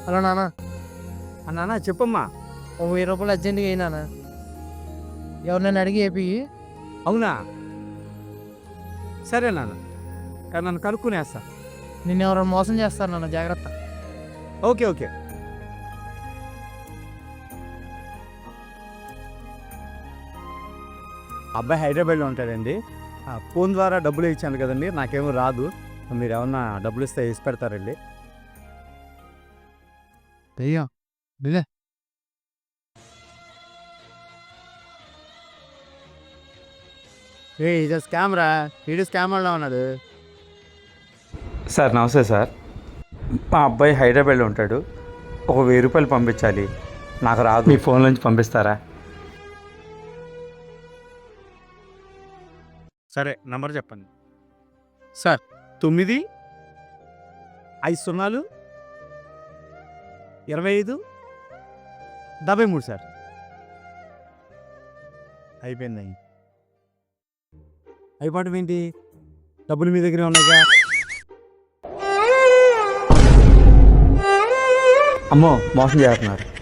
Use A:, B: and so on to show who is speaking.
A: Hello నాన్న,
B: నాన్న చెప్పమ్మా.
A: ఓ 1000 రూపాయలు అర్జెంట్గా అయినా ఎవరినైనా అడిగి ఏపి.
B: అవునా, సరే నాన్న, నన్ను కనుక్కునేస్తా.
A: నిన్ను ఎవరైనా మోసం చేస్తారు నాన్న, జాగ్రత్త.
B: Okay okay. అబ్బాయి హైదరాబాద్లో ఉంటాడండి. ఫోన్ ద్వారా డబ్బులు ఇచ్చాను కదండి, నాకేమో రాదు. మీరు ఏమన్నా డబ్బులు ఇస్తే వేసి పెడతారండి.
A: దెయ్యం నిలే.
B: ఇది స్కామ్ రా, వీడు స్కామ్ వల్ల ఉన్నాడు.
C: సార్ నమస్తే సార్. మా అబ్బాయి హైదరాబాద్లో ఉంటాడు. ఒక 1000 రూపాయలు పంపించాలి, నాకు రాదు. మీ ఫోన్ నుంచి పంపిస్తారా?
B: సరే, నంబర్ చెప్పండి సార్. 9 5 0 25 73 సార్. అయిపోయింది. అయిపోవడం ఏంటి? డబ్బులు మీ దగ్గరే ఉన్నాయిగా.
C: అమ్మో, మోసం చేస్తున్నారు.